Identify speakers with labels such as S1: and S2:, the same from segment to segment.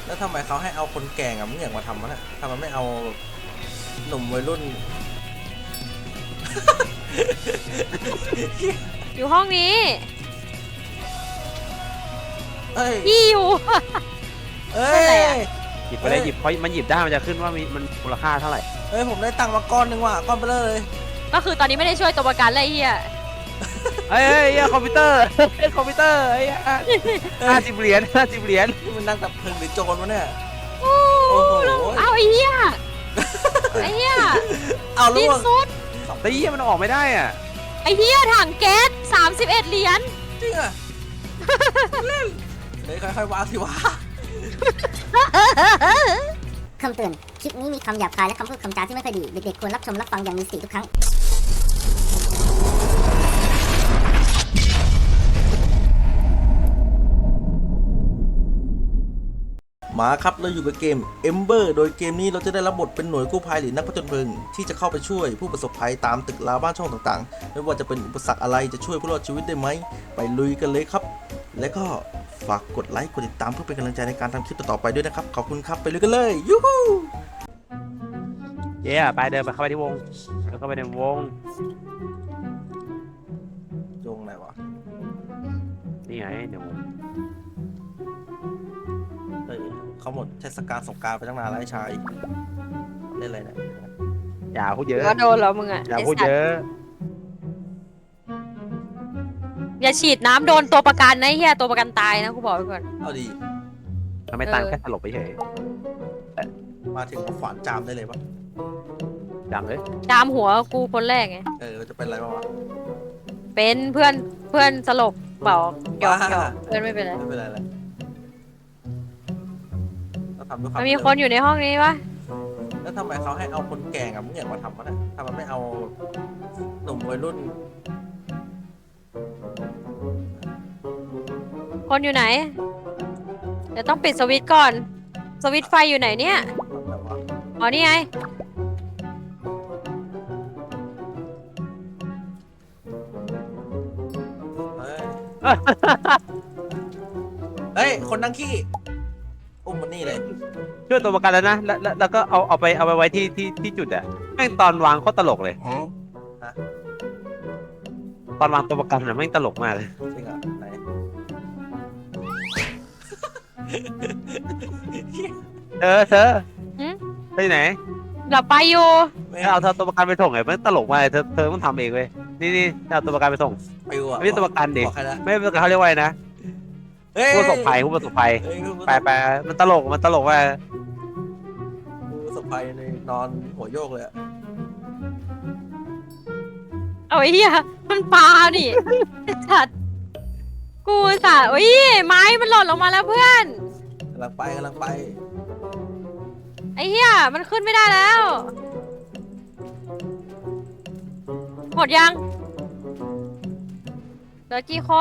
S1: แล้วทำไมเขาให้เอาคนแก่กับเงี้ยมาทำวะเนี่ยทำไมไม่เอาหนุ่มวัยรุ่น
S2: อยู่ห้องนี้
S1: เอ้ย
S2: พี่อยู่
S1: เอ้
S2: อะไร
S1: ย
S2: อะ
S3: หยิบไปเลยหยิบเพราะมันหยิบได้มันจะขึ้นว่ามีมันมูลค่าเท่าไหร่
S1: เอ้ยผมได้ตังค์มาก้อนหนึ่งว่ะก้อนไปเลย
S2: ก็คือตอนนี้ไม่ได้ช่วยตัวประกันเลยไอ้เฮีย
S3: เอ้ยคอมพิวเตอร์คอมพิวเตอร์50 เหรียญ50 เหรียญ
S1: นี่มันนั่งดับเพลิงหรือโจรวะเนี่ย
S2: โอ้
S1: โอ้โห
S2: เอาไอ้เฮียไอ้เฮีย
S1: เอาลู
S2: ดิ
S1: ก
S2: นสุด
S3: แต่ยี่มันออกไม่ได้อ่ะ
S2: ไอ้เฮียถังแก๊ส31 เหรียญ
S1: จริงอ่ะเล่นเฮ้ยค่อยๆวางสิวะ
S4: คำเตือน คลิปนี้มีคำหยาบคายและคำพูดคำจาที่ไม่ค่อยดี เด็กๆควรรับชมรับฟังอย่างมีสติทุกครั้ง
S1: มาครับเราอยู่กับเกม Ember โดยเกมนี้เราจะได้รับบทเป็นหน่วยกู้ภัยหรือนักผจญเพลิงที่จะเข้าไปช่วยผู้ประสบภัยตามตึกราบ้านช่องต่างๆไม่ว่าจะเป็นอุปสรรคอะไรจะช่วยผู้รอดชีวิตได้ไหมไปลุยกันเลยครับ และก็ฝากกดไลค์กดติดตามเพื่อเป็นกำลังใจในการทำคลิปต่อๆไปด้วยนะครับขอบคุณครับไปลุยกันเลยยูฮู
S3: เย้ไปเดินไปเข้าไปที่วงแล้วเข้าไปในวง
S1: จงไหนวะ
S3: นี่ไงเดี๋ยว
S1: เฮ้ยเขาหมดเทศกาลสงกรานต์ไปตั้งนานแล้วไอ้ชายเล่นอะไรเนี่ย
S3: อย่าพูดเยอะ
S2: ก็โดนแล้วมึงอะ
S3: อย่าพูดเยอะ
S2: อย่าฉีดน้ำโดนตัวประกันนะไอ้เฮียตัวประกันตายนะกูบอกไว้ก่อน
S1: เอาดี
S3: ทำไมตังแค่สลบไปเฉย
S1: มาถึงมาขวานจามได้เลยปะ
S3: จำเลย
S2: จามหัวกูคนแรกไง
S1: จะเป็นอะไรบ้างวะ
S2: เป็นเพื่อนสลบเปล่าหยอก
S1: บ้า
S2: เพื่อนไม่เป็นไร
S1: ไม่เป็นไรเลยเราทำด้วยความ
S2: มันมีคนอยู่ในห้องนี้ปะ
S1: แล้วทำไมเขาให้เอาคนแก่กับเงี้ยมาทำวะเนี่ยทำไมไม่เอาหนุ่มวัยรุ่น
S2: คนอยู่ไหน เดี๋ยวต้องปิดสวิตช์ก่อน สวิตช์ไฟอยู่ไหนเนี่ย
S1: ทำแบบว่า
S2: อ๋อนี่ไง
S1: เฮ้ย เฮ้ย คนนั่งขี้ อุ้มมันนี่เลย
S3: ช่วยตัวประกันแล้วนะแล้วก็เอาไปไว้ที่จุดอะแม่งตอนวางโคตรตลกเลย
S1: ฮะ
S3: ตอนวางตัวประกันน่ะแม่งตลกมากเลย
S1: จริงเหรอไหน
S3: เธอ
S2: หึ
S3: ไปไหน
S2: หลับไปอยู่
S1: ไม่
S3: เอาตัวประกันไปส่งไงมันตลกมากเลยเธอต้องทำเองเว้ยนี่เอาตัวประกันไปส่ง
S1: ไปวะ
S3: ไม่ใช่ตัวประกันดิ
S1: บอกใครนะ
S3: ไม่เป็นเขาเรียกว่าอะไรนะ
S1: เฮ้ย
S3: ผู้ประสบภัย
S1: เฮ้ย
S3: ไปมันตลกมาก
S1: ผู้ประสบภัยในนอนหัวโยกเลยอะ
S2: เอาไอ้เหี้ยมันปลาดิสัตว์กูสัตว์โอ้ยไม้มันหล่นลงมาแล้วเพื่อน
S1: กำลังไป
S2: ไอ้เหี้ยมันขึ้นไม่ได้แล้วหมดยังเหลือกี่คน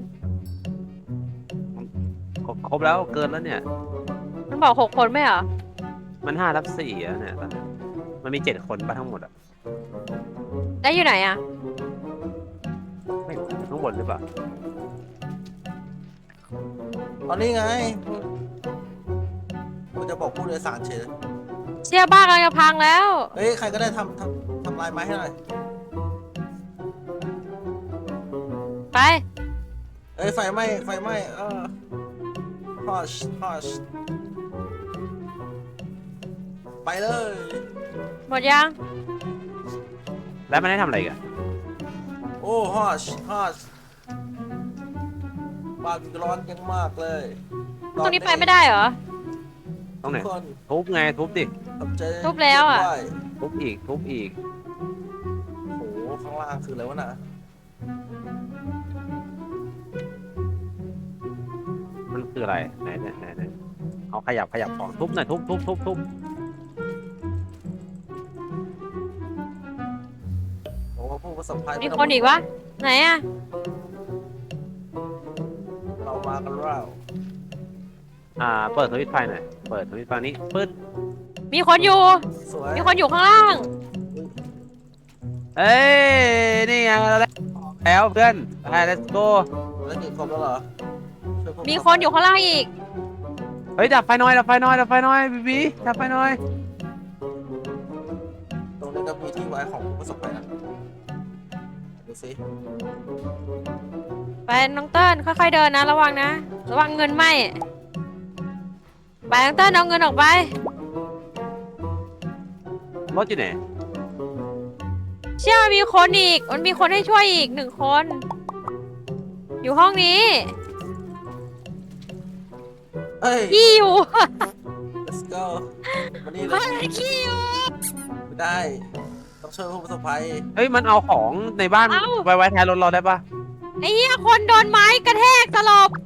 S3: ครบแล้วเกินแล้วเนี่ย
S2: มันบอก6 คนไม่เหรอ
S3: มัน5/4แล้วเนี่ยตอนนี้มันมี7 คนป่ะทั้งหมดอ่ะ
S2: ได้อยู่ไหนอะ
S3: ไม่รู้ข้างบนหรือเปล่า
S1: ตอนนี้ไงกูจะบอกผู้โดยสารเฉย
S2: เชี่ยบ้านกำลังจะพังแล้ว
S1: เฮ้ย ใครก็ได้ทำลายไม้ให้หน่อย
S2: ไป
S1: เอ้ย ไฟไหม้ฮอชไปเลย
S2: หมดยัง
S3: แล้วมันได้ทำอะไรกัน
S1: โอ้ฮอชบ้านร้อนยังมากเลย
S2: ตรงนี้ไปไม่ได้เหรอ
S3: ตรงไหน
S1: ทุกคน
S3: ทุบไงทุบดิ
S1: ขอบใจ
S2: ทุบแล้วอะ
S1: ด้วย
S3: ทุบอีก
S1: โอ้โห ข้างล่างคืออะไรวะน่ะ
S3: มันคืออะไรไหนเอาขยับของทุบหน่อยทุบ
S1: โอ้ผู้ประสบภัย
S2: มีคนอีกวะไหนอะ
S1: เรามากันแล้ว
S3: เปิดสวิตช์ไฟหน่อยเปิดสวิตช์ไฟนี้ปึ๊ด
S2: มีคนอยู่
S1: สวย
S2: มีคนอยู่ข้างล่าง
S3: เอ้ยนี่ไงเราได้แล้วเพื่อนไป let's go
S1: แล้วกี่คนแล้วเหรอช่วยพวก
S2: มีคนอยู่ข้างล่างอีก
S3: เฮ้ยดับไฟหน่อยดับไฟหน่อยดับไฟหน่อยบีดับไฟหน่อย
S1: ตรงนี้ก็มีที่ไว้ของผู้ประสบภัยนะดูสิ
S2: ไปน้องเติ้ลค่อยๆเดินนะระวังนะระวังเงินไหมไปน้องเติ้ลเอาเงินออกไป
S3: รถอยู่ไหน
S2: เชื่อมีคนอีกมันมีคนให้ช่วยอีก1 คน อยู่ห้องนี้
S1: เอ้ย
S2: ขี้อยู่
S1: let's go มานี่เล
S2: เฮ้
S1: ย
S2: ยขี้อยู่
S1: ไม่ได้ต้องช่วยผู้ประสบภัย
S3: เฮ้ยมันเอาของในบ้านไว้ท้ายรถเราได้ปะ
S2: ไอ้เหี้ยคนโดนไม้กระแทกสลบ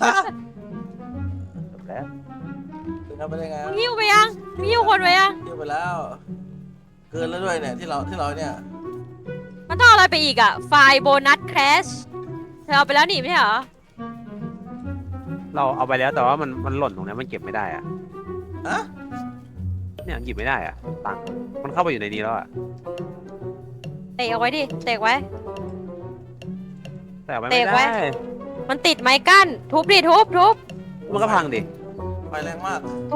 S3: จบแล้ว
S1: ถึงทำไปได้ไง
S2: มึงหิ้วไปยังมึงหิ้วคนไปยัง
S1: เที่ยวไปแล้ว เกินแล้วด้วยเนี่ยที่เราเนี่ย
S2: มันต้องเอาอะไรไปอีกอะไฟล์โบนัสแครชเธอเอาไปแล้วนี่ไม่ใช่เหรอ
S3: เราเอาไปแล้วแต่ว่ามันหล่นตรงนี้มันเก็บไม่ได้อะ
S1: ฮะ
S3: เนี่ยหยิบไม่ได้อะตังค์มันเข้าไปอยู่ในนี้แล้วอะ
S2: เตะเอาไว้ดิเตะไว้
S3: แต่เอาไป
S2: เตะ
S3: ไม่
S2: ไว้
S3: ได้
S2: มันติดไม้กั้นทุบดิทุบ
S3: มันก็พังดิ
S1: ไฟแรงมาก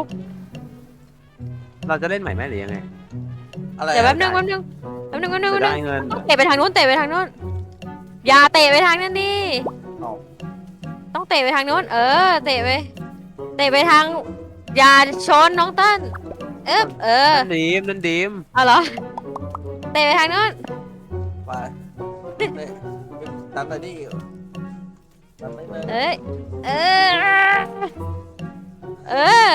S3: เราจะเล่นใหม่ไหมหรือยังไง
S1: อะไร
S2: เดี๋ยวแป๊บนึ
S3: ได้
S2: ง
S3: จะได้เงิน
S2: เตะไปทางนู้นเตะไปทางนู้นอย่าเตะไปทางนั้นดิ
S3: เอา
S2: ต้องเตะไปทางนู้นเตะไปทางอย่าชนน้องเติ้ล
S3: นั่นดีม
S2: เอาเหรอเตะไปทางนู้น
S1: ไปเนี่ยดันไปดิดันไปเลย
S2: เอ้ยเออ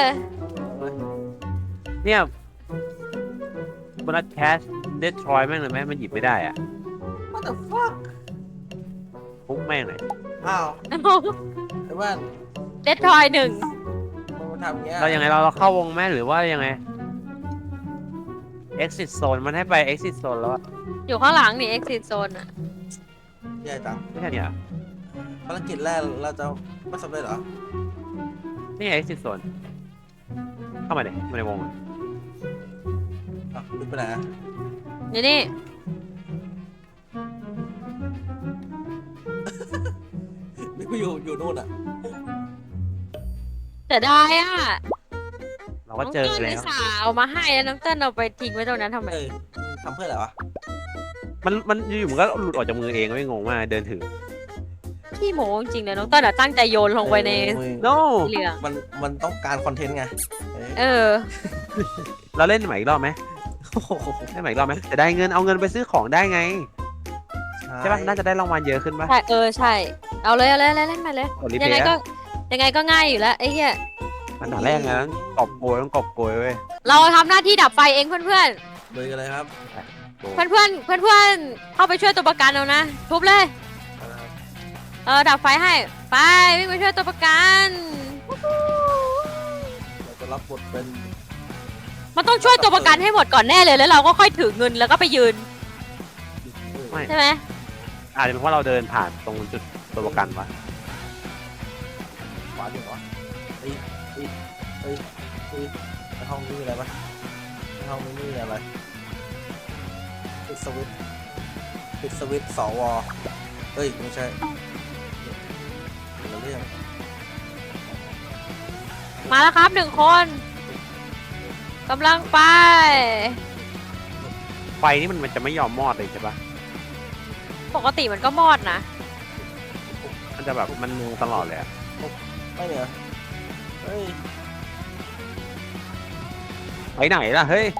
S3: เนี่ยบนัสแคชเดสทรอยแม่งเลยไหมมันหยิบไม่ได้อะ
S1: What the fuck
S3: พุกแม่งเลย
S1: อ้าวไอ้บ้าน
S2: เดททอย1
S1: มันทำอย่างเงี้ย
S3: เรายังไงเราเข้าวงแม่หรือว่ายังไง exit zone มันให้ไป exit zone แล้วอะ
S2: อยู่ข้างหลังนี่ exit zone อะ
S1: แย่จัง
S3: ไม่ใช่เนี่ย
S1: ภารกิจแรกเราจะไม่สำเร็จเหรอ
S3: นี่ไง exit zone เข้ามาเลยมาในวงอะ
S1: อ่ะลึกไปไหนอะ
S2: อยู่นี่
S1: นึกว่าอยู่นู่นอ่ะ
S2: แต่ได้อ่ะ
S3: เราก็เจอ
S2: น้องเติ้ล
S3: แล้
S2: อุ
S3: ว
S2: ตส่าห์เอามาให้แล้วน้องเติ้ลเอาไปทิ้งไว้ตรงนั้นทำไม
S1: ทำเพื่ออะไรวะ
S3: มันอยู่ๆมันก็หลุดออกจากมือเองไม่งงมากเดินถือ
S2: ขี้โม้จริงๆเลยน้องเติ้ลอะตั้งใจโยนลงไปใน
S3: no
S2: สีเหลือง
S1: มันต้องการคอนเทนต์ไง
S3: เราเล่นใหม่อีกรอบไหม
S1: โอ้โห
S3: เล่นใหม่อีกรอบไหมจะได้เงินเอาเงินไปซื้อของได้ไงใช่ปะน่าจะได้รางวัลเยอะขึ้นปะ
S2: ใช่ใช่เอาเลยเล่นมาเลย
S3: กดรีเพ
S2: ยังไง
S3: ย์
S2: ก็ยังไงก็ง่ายอยู่แล้วไอ้เหี้ย
S3: มันด่าแรกไงต้องกอบโกยเว้ย
S2: เราทำหน้าที่ดับไฟเองเพื่อน
S1: เลยกันเลยครับ
S2: ๆเพื่อนเข้าไปช่วยตัวประกันเอานะทุบเลยดับไฟให้ไปวิ่งไปช่วยตัวประกัน
S1: เราจะรับบทเป็น
S2: มันต้องช่วยตัวประกันให้หมดก่อนแน่เลยแล้วเราก็ค่อยถือเงินแล้วก็ไปยืน
S3: ไม่
S2: ใช่ไหม
S3: อาจจะเป็นเพราะเราเดินผ่านตรงจุดตัวประกันวะ
S1: ขวาดีกว่าเฮ้ยในห้องนี้มีอะไรปะในห้องนี้มีอะไรปิดสวิตช์สวเฮ้ยไม่ใช่เป็นเรื่อง
S2: มาแล้วครับ1 คนกำลังไป
S3: ไฟนี่มันจะไม่ยอมมอดเลยใช่ปะ
S2: ปกติมันก็มอดนะ
S3: มันจะแบบมันตลอดเลยอะ
S1: ไม่เนี่ยเฮ้ย
S3: ไปไหนล่ะเฮ้ย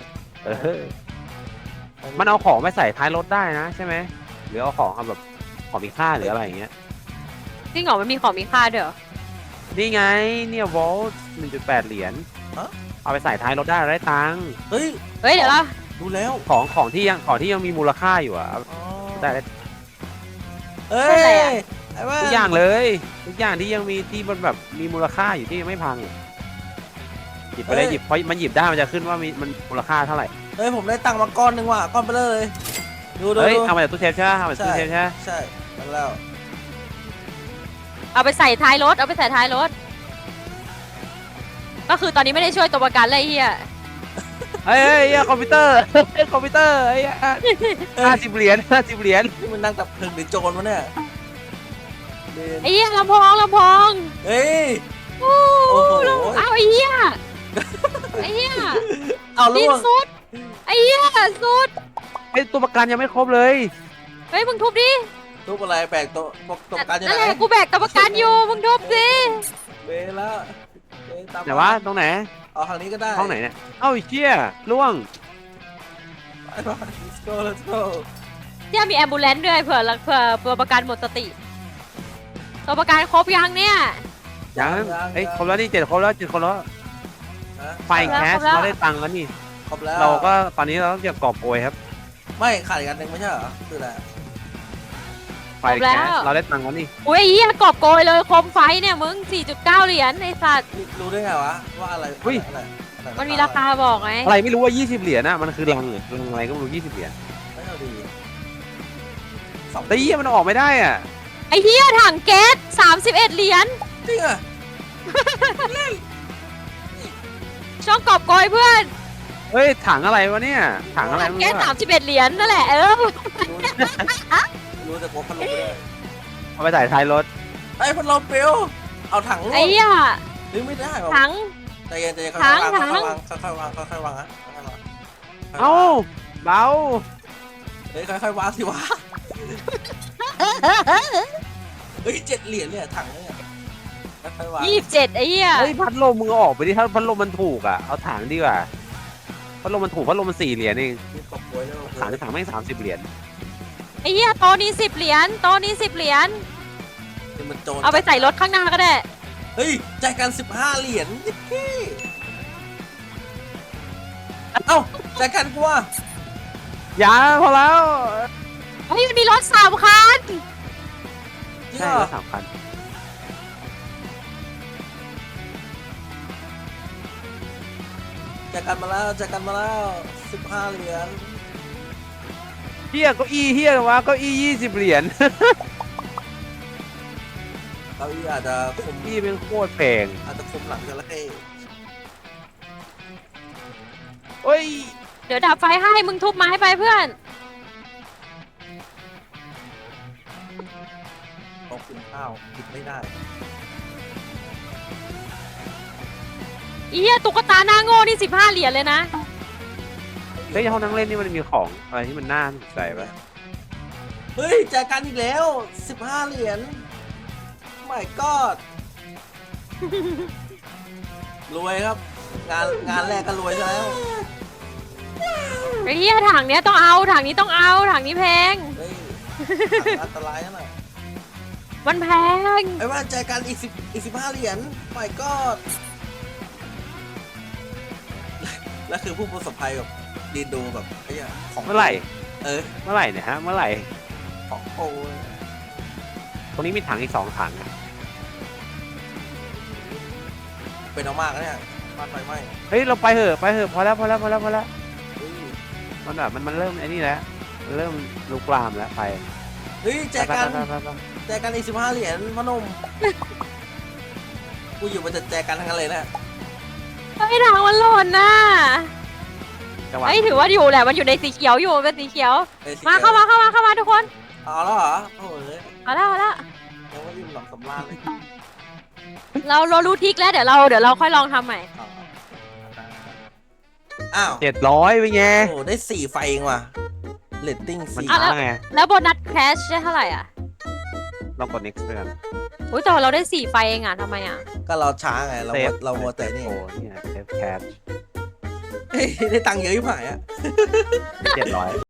S3: มันเอาของไปใส่ท้ายรถได้นะใช่ไหมหรือเอาของเอาแบบของมีค่าหรืออะไรอย่างเงี้ย
S2: จริงเหรอมันมีของมีค่าด้วยเหรอ
S3: นี่ไงเนี่ยวอล1.8 เหรียญเอาไปใส่ท้ายรถได้ได้ตังค์
S1: เฮ้ย
S2: เฮ้ยเดี๋ยวเรา
S1: ดูแล้ว
S3: ของที่ยังมีมูลค่าอยู่อะได้
S1: เฮ้ยไอ้บ้า
S3: ทุกอย่างเลยทุกอย่างที่ยังมีที่มันแบบมีมูลค่าอยู่ที่ยังไม่พังหยิบไปเลยหยิบเพราะมันหยิบได้มันจะขึ้นว่ามันมูลค่าเท่าไหร่
S1: เฮ้ยผมได้ตังค์มาก้อนหนึ่งว่ะก้อนไปเลยดู
S3: เฮ้ยเอามาจากตู้เซฟใช่ไหมเอามาจากตู้เซฟใช่ไหม
S1: ใช่นั่นแล้ว
S2: เอาไปใส่ท้ายรถก็คือตอนนี้ไม่ได้ช่วยตัวประกันเลยไอ้เฮีย
S3: เฮ้ยคอมพิวเตอร์คอมพิวเตอร์ไอ้50 เหรียญ50 เหรียญ
S1: นี่มันนั่งดับเพลิงหรือโจรวะเนี่ย
S2: ไอ้เฮียลำโพง
S1: เฮ้ย
S2: โอ้
S1: โอ้โห
S2: เอาไอ้เหี้ยไอ้เหี้ย
S1: เอา
S2: ดิ
S1: ล่
S2: น
S1: วง
S2: สุดไอ้เหี้ยสุด
S3: ไอตัวประกันยังไม่ครบเลย
S2: เฮ้ยมึงทุบดิ
S1: ทุบอะไรแบกตัวประกันอยู่
S2: นั่น
S1: ไหน
S2: แหละกูแบกตัวประกันอยู่มึงทุบสิ
S1: เบแล้วเบตาม
S3: ไหนวะตรงไหน
S1: เอาทางนี้ก็ได้
S3: ห้องไหนเนี่ยเอ้าไอ้เชี่ยล่วง
S1: ไปไป let's go let's go
S2: เนี่ยมีแอมบูเลนซ์ด้วยเผื่อตัวประกันหมดสติ ตัวประกันครบยังเนี่ย
S3: ยังเอ้ยครบแล้วนี่7 คนแล้ว7 คนแล้ว
S1: นะ
S3: ไฟแคสเราได้ตังค์แล้วนี่
S1: ครบแล้ว
S3: เราก็ตอนนี้เราต้องเก็บกอบโกยครับ
S1: ไม่ขาดอีกอันหนึ่งไม่ใช่เหรอคืออะไร
S3: ไฟแคสเราได้ตังค์แล้วนี่
S2: อุ้ยไอ้เหี้ยกอบโกยเลยโคมไฟเนี่ยมึง 4.9 เหรียญไอ้สัตว์
S1: รู้ได้ไงวะว่าอะไรอะไร
S2: มันมีราคาบอกไง
S3: อะไรไม่รู้ว่า20 เหรียญนะมันคือรังเหรอรังอะไรก็ไม่รู้20 เหรียญ
S1: ไม่เอาดี
S3: แต่ยี่มันออกไม่ได้อ่ะ
S2: ไอ้เหี้ยถังแก๊ส31 เหรียญ
S1: จริงอ่ะ
S2: ช่องกอบโกยเพื่อน
S3: เฮ้ยถังอะไรวะเนี่ยถังอะไร
S2: ถัง
S3: ไม่
S2: แก๊ส
S3: รู้อะ
S2: 31 เหรียญนั่นแหละ
S1: รู้แต่กพัดลมไม่ได้
S3: เอาไปใส่ท้ายรถ
S1: ไอ้พัดลมเปลวเอาถัง
S2: ไอ้เหี้ย
S1: หรือไม่ได้หรอ
S2: ถัง
S1: ใจเย็นใจเย็น
S2: ถั
S1: ค่อย
S2: ง
S1: ๆวางค่อยๆวางค่อยๆวางนะค่อยๆวาง
S3: เอ้าเบา
S1: เฮ้ยค่อยๆวางสิวะเฮ้ย7 เหรียญเนี่ยถังเนี่ยค่อยๆวาง
S2: 27 ไอ้เหี้ย
S3: เฮ้ยพัดลมมึงเอาออกไปดิถ้าพัดลมมันถูกอ่ะเอาถังดีกว่าพัดลมมันถูกพัดลมมัน4 เหรียญเอง
S1: มีกบกล้วยด้วย
S3: ถังแม่ง30 เหรียญ
S2: ไอ้เหี้ยโต๊ะนี้10 เหรียญโต๊ะนี้10 เหรียญ
S1: นี่มันโจร
S2: เอาไปใส่รถข้างหน้าก็ได้
S1: เฮ้ยจ่ายกัน15 เหรียญเอ้าจ่ายกันกูว่า
S3: อย่าพอแล้ว
S2: เฮ้ยมันมีรถ3 คัน
S1: จริง
S3: ใช่
S1: เหรอ
S3: แล้ว3 คัน
S1: จ่ายกันมาแล้วจ่ายกันมาแล้ว15 เหรียญ
S3: เฮียเก้าอี้เฮียวะเก้าอี้20 เหรียญ
S1: เก้าอี้อาจจะคุม
S3: อี้เป็นโคตรแพง
S1: อาจจะคุมหลังจระเข้
S3: เฮ้ย
S2: เดี๋ยวดับไฟให้มึงทุบไม้ไปเพื่อน
S1: ต้องกินข้าวกินไม่ได้
S2: อีเหี้ยตุ๊กตาหน้าโง่นี่15 เหรียญเลยนะ
S3: เฮ้ยห้องนั่งเล่นนี่มันมีของอะไรที่มันน่าสนใจปะ
S1: เฮ้ยจ่ายกันอีกแล้ว15 เหรียญ my god รวยครับ งานแรกก็รวยซะแล้ว
S2: ไอ้เหี้ยถังเนี้ยต้องเอาถังนี้ต้องเอาถังนี้แพง
S1: เฮ้ยอันตรายนะน่ะ
S2: มันแพง
S1: ไอ้ว่าจ่ายกันอีก15 เหรียญ my god แล้วคือผู้ประสบภัยแบบดีดูแบบไอ้เหี้ยของ
S3: เมื่อไหร่
S1: เออ
S3: เมื่อไหร่เนี่ยฮะเมื่อไหร่
S1: ของโอ้ย
S3: ตรงนี้มีถังอีก2 ถัง
S1: เป็นเอามากนะเนี่ยบ้านไฟไหม้
S3: เฮ้ยเราไปเถอะพอแล้ว
S1: เฮ้ย
S3: มันแบบมันเริ่มไอ้นี่แล้วมันเริ่มลุกลามแล้วไป
S1: เฮ้ยแจกัน
S3: ไป
S1: แจกันอีก15 เหรียญพนม กูอยู่มันจะแจกันทั้งนั้นเลยนะ
S2: ไอ้ถังมันหล่นน่ะ
S3: จังหวะ
S2: ไอ้ถือว่าอยู่แหละมันอยู่ในสีเขียวอยู่เป็นสีเขียว
S1: อ้ยสิ
S2: มาเข้ามาทุกคน
S1: เอาแล้วเหรอโอ้ย
S2: เอาละ
S1: ยังไม่ยิ้มหลังสำราญเลย
S2: เรารู้ทริกแล้วเดี๋ยวเราค่อยลองทำใหม่
S1: อ้าว
S3: 700เป็นไง
S1: โอ้ได้4 ไฟเองว่ะเรตติ้ง
S3: มัน
S1: 4
S3: ช้าไง
S2: แล้วโบนัสแคชได้เท่าไหร่อ่ะ
S3: ลองกด next ไปกัน
S2: อุ้ยแต่เราได้4 ไฟเองอ่ะทำไมอ่ะ
S1: ก็เราช้าไง เรามัวแต่นี่
S3: โอ้เนี่ย save cash
S1: เฮ้ยได้ตังค์เยอะยิ่งหายอ่ะ
S3: 700